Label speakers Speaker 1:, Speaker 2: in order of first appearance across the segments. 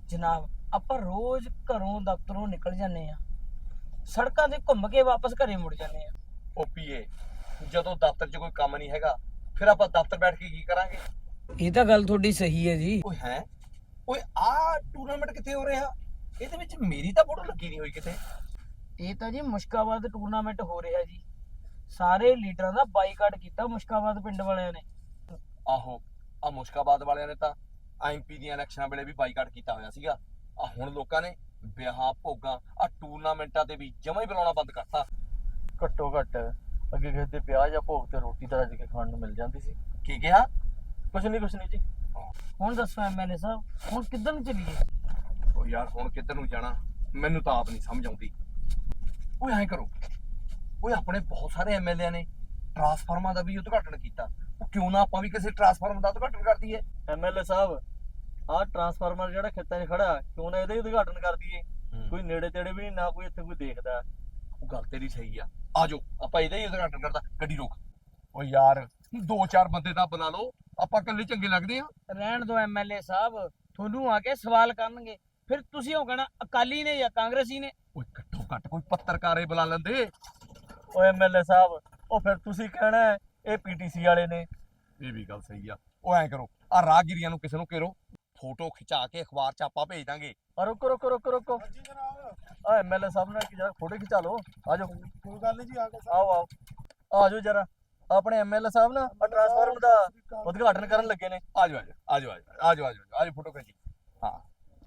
Speaker 1: ਜਨਾਬ ਆਪਾਂ ਰੋਜ਼ ਘਰੋਂ ਦਫ਼ਤਰੋਂ ਨਿਕਲ ਜਾਂਦੇ ਆ, ਸੜਕਾਂ ਤੇ ਘੁੰਮ ਕੇ ਵਾਪਸ ਘਰੇ ਮੁੜ ਜਾਂਦੇ ਆ।
Speaker 2: ਉਹ ਪੀਏ, ਜਦੋਂ ਦਫ਼ਤਰ 'ਚ ਕੋਈ ਕੰਮ ਨਹੀਂ ਹੈਗਾ ਫਿਰ ਆਪਾਂ ਦਫ਼ਤਰ ਬੈਠ ਕੇ ਕੀ ਕਰਾਂਗੇ?
Speaker 1: ਇਹ ਤਾਂ ਗੱਲ ਤੁਹਾਡੀ ਸਹੀ ਹੈ ਜੀ।
Speaker 2: ਓਏ ਹੈ ਓਏ ਆਹ ਟੂਰਨਾਮੈਂਟ ਕਿੱਥੇ ਹੋ ਰਿਹਾ? ਇਹਦੇ ਵਿੱਚ ਮੇਰੀ ਤਾਂ ਫੋਟੋ ਲੱਗੀ ਨਹੀਂ ਹੋਈ ਕਿਤੇ।
Speaker 1: ਇਹ ਤਾਂ ਜੀ ਮੁਸ਼ਕਾਬਾਦ ਟੂਰਨਾਮੈਂਟ ਹੋ ਰਿਹਾ ਜੀ। ਸਾਰੇ ਲੀਡਰਾਂ ਦਾ ਬਾਈਕਾਟ ਕੀਤਾ ਮੁਸ਼ਕਾਬਾਦ ਪਿੰਡ ਵਾਲਿਆਂ ਨੇ।
Speaker 2: ਆਹੋ, ਆ ਮੁਸ਼ਕਾਬਾਦ ਵਾਲਿਆਂ ਨੇ ਤਾਂ ਐਮਪੀ ਦੀਆਂ ਇਲੈਕਸ਼ਨਾਂ ਵੇਲੇ ਵੀ ਬਾਈਕਾਟ ਕੀਤਾ ਹੋਇਆ ਸੀਗਾ। ਆ ਹੁਣ ਲੋਕਾਂ ਨੇ ਵਿਆਹਾਂ ਭੋਗਾਂ ਆ ਟੂਰਨਾਮੈਂਟਾਂ ਤੇ ਵੀ ਜਮਾਂ ਹੀ ਬੁਲਾਉਣਾ ਬੰਦ ਕਰਤਾ।
Speaker 3: ਘੱਟੋ ਘੱਟ ਅੱਗੇ ਕਿਸੇ ਦੇ ਵਿਆਹ ਜਾਂ ਭੋਗ ਤੇ ਰੋਟੀ ਤਾਂ ਰੱਜ ਕੇ ਖਾਣ ਨੂੰ ਮਿਲ ਜਾਂਦੀ ਸੀ।
Speaker 2: ਕੀ ਕਿਹਾ?
Speaker 3: ਕੁਛ ਨਹੀਂ ਜੀ।
Speaker 1: ਹੁਣ ਦੱਸੋ ਐਮਐਲਏ ਸਾਹਿਬ, ਹੁਣ ਕਿੱਧਰ ਨੂੰ ਚੱਲੀਏ?
Speaker 2: ਓ ਯਾਰ ਹੁਣ ਕਿੱਧਰ ਨੂੰ ਜਾਣਾ ਮੈਨੂੰ ਤਾਂ ਆਪ ਨਹੀਂ ਸਮਝ ਆਉਂਦੀ। ਓਏ ਐਂ ਕਰੋ, ਓਏ ਆਪਣੇ ਬਹੁਤ ਸਾਰੇ ਐਮਐਲਏ ਨੇ ਟਰਾਂਸਫਾਰਮਰ ਦਾ ਵੀ ਉਦਘਾਟਨ ਕੀਤਾ। ਉਹ ਕਿਉਂ ਨਾ ਆਪਾਂ ਵੀ ਕਿਸੇ ਟਰਾਂਸਫਾਰਮਰ ਦਾ ਉਦਘਾਟਨ ਕਰ ਦਈਏ?
Speaker 3: ਐਮਐਲਏ ਸਾਹਿਬ, ਆਹ ਟਰਾਂਸਫਾਰਮਰ ਜਿਹੜਾ ਖੇਤਾਂ 'ਚ ਖੜਾ ਕਿਉਂ ਨਾ ਇਹਦਾ ਹੀ ਉਦਘਾਟਨ ਕਰ ਦਈਏ। ਕੋਈ ਨੇੜੇ ਤੇੜੇ ਵੀ ਨਹੀਂ, ਨਾ ਕੋਈ ਇੱਥੇ ਕੋਈ ਦੇਖਦਾ।
Speaker 2: ਉਹ ਗੱਲ ਤੇਰੀ ਸਹੀ ਆ, ਆਜੋ ਆਪਾਂ ਇਹਦਾ ਹੀ ਉਦਘਾਟਨ ਕਰਦਾ। ਗੱਡੀ ਰੋਕ। ਓ ਯਾਰ 2-4 ਬੰਦੇ ਤਾਂ ਬੁਲਾ ਲਓ, ਆਪਾਂ ਇਕੱਲੇ ਚੰਗੇ ਲੱਗਦੇ ਆ?
Speaker 1: ਰਹਿਣ ਦਿਓ ਐਮਐਲਏ ਸਾਹਿਬ, ਤੁਹਾਨੂੰ ਆ ਕੇ ਸਵਾਲ ਕਰਨਗੇ, ਫਿਰ ਤੁਸੀਂ ਉਹ ਕਹਿਣਾ ਅਕਾਲੀ ਨੇ ਜਾਂ ਕਾਂਗਰਸੀ ਨੇ।
Speaker 2: ਓਏ ਘੱਟੋ ਘੱਟ ਕੋਈ ਪੱਤਰਕਾਰੇ ਬੁਲਾ ਲੈਂਦੇ।
Speaker 3: ਓਏ ਐਮਐਲਏ ਸਾਹਿਬ, ਉਹ ਫਿਰ ਤੁਸੀਂ ਕਹਿਣਾ ਇਹ ਪੀਟੀਸੀ ਵਾਲੇ ਨੇ।
Speaker 2: ਇਹ ਵੀ ਗੱਲ ਸਹੀ ਆ। ਉਹ ਐਂ ਕਰੋ, ਆ ਰਾਹਗੀਰੀਆਂ ਨੂੰ ਕਿਸੇ ਨੂੰ ਘੇਰੋ, ਫੋਟੋ ਖਿਚਾ ਕੇ ਅਖਬਾਰ 'ਚ ਆਪਾਂ ਭੇਜ ਦਾਂਗੇ।
Speaker 3: ਰੁਕੋ। ਆ ਐਮਐਲਏ ਸਾਹਿਬ ਨਾਲ ਜਰਾ ਫੋਟੋ ਖਿਚਾ ਲਓ। ਆਜੋ।
Speaker 4: ਕੋਈ ਗੱਲ ਨਹੀਂ ਜੀ, ਆ ਕੇ
Speaker 3: ਆਓ ਆਜੋ ਜਰਾ। ਆਪਣੇ ਐਮਐਲਏ ਸਾਹਿਬ ਨਾ ਟਰਾਂਸਫਾਰਮਰ ਦਾ ਉਦਘਾਟਨ ਕਰਨ ਲੱਗੇ ਨੇ।
Speaker 2: ਆਜੋ ਫੋਟੋ ਖਿੱਚੀ। ਹਾਂ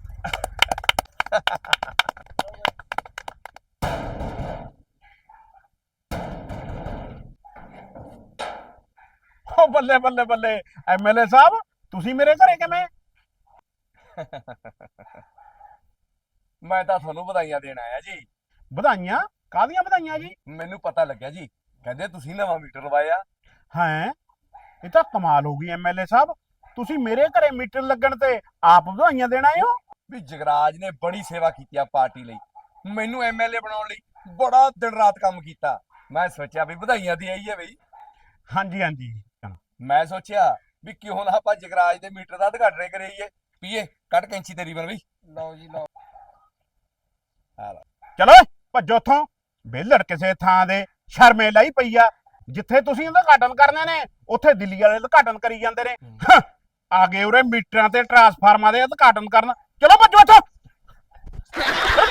Speaker 4: ਓ ਬੱਲੇ ਐਮਐਲਏ ਸਾਹਿਬ, ਤੁਸੀਂ ਮੇਰੇ ਘਰੇ ਕਿਵੇਂ?
Speaker 2: ਮੈਂ ਤਾਂ ਤੁਹਾਨੂੰ ਵਧਾਈਆਂ ਦੇਣ ਆਇਆ ਜੀ।
Speaker 4: ਵਧਾਈਆਂ? ਕਾਹਦੀਆਂ ਵਧਾਈਆਂ ਜੀ?
Speaker 2: ਮੈਨੂੰ ਪਤਾ ਲੱਗਿਆ ਜੀ, ਕਹਿੰਦੇ ਤੁਸੀਂ ਨਵਾਂ ਮੀਟਰ ਲਵਾਇਆ।
Speaker 4: ਹੈਂ, ਇਹ ਤਾਂ ਕਮਾਲ ਹੋ ਗਈ ਐਮਐਲਏ ਸਾਹਿਬ, ਤੁਸੀਂ ਮੇਰੇ ਘਰੇ ਮੀਟਰ ਲੱਗਣ ਤੇ ਆਪ ਵਧਾਈਆਂ ਦੇਣ ਆਏ ਹੋ?
Speaker 2: ਵੀ ਜਗਰਾਜ ਨੇ ਬੜੀ ਸੇਵਾ ਕੀਤੀ ਆ ਪਾਰਟੀ ਲਈ, ਮੈਨੂੰ ਐਮਐਲਏ ਬਣਾਉਣ ਲਈ ਬੜਾ ਦਿਨ ਰਾਤ ਕੰਮ ਕੀਤਾ। ਮੈਂ ਸੋਚਿਆ ਵੀ ਵਧਾਈਆਂ ਦੀ ਆਈ ਹੈ ਬਈ।
Speaker 4: ਹਾਂਜੀ।
Speaker 2: ਮੈਂ ਸੋਚਿਆ ਵੀ ਕਿਉਂ ਨਾ ਆਪਾਂ ਜਗਰਾਜ ਦੇ ਮੀਟਰ ਦਾ ਉਦਘਾਟਨ ਕਰੀਏ। ਪੀਏ ਕੱਟ ਕੈਂਚੀ ਤੇਰੀ ਬਣ ਬਈ।
Speaker 1: ਲਓ ਜੀ ਲਓ।
Speaker 4: ਚਲੋ ਭੱਜੋ ਉੱਥੋਂ, ਵਿਹਲੜ ਕਿਸੇ ਥਾਂ ਦੇ ਸ਼ਰਮੇ ਲਈ ਪਈ ਆ। ਜਿੱਥੇ ਤੁਸੀਂ ਉਦਘਾਟਨ ਕਰਨੇ ਨੇ ਉੱਥੇ ਦਿੱਲੀ ਵਾਲੇ ਉਦਘਾਟਨ ਕਰੀ ਜਾਂਦੇ ਨੇ। ਆ ਗਏ ਉਰੇ ਮੀਟਰਾਂ ਤੇ ਟਰਾਂਸਫਾਰਮਰਾਂ ਦੇ ਉਦਘਾਟਨ ਕਰਨ। ਚਲੋ ਭੱਜੋ ਇੱਥੋਂ।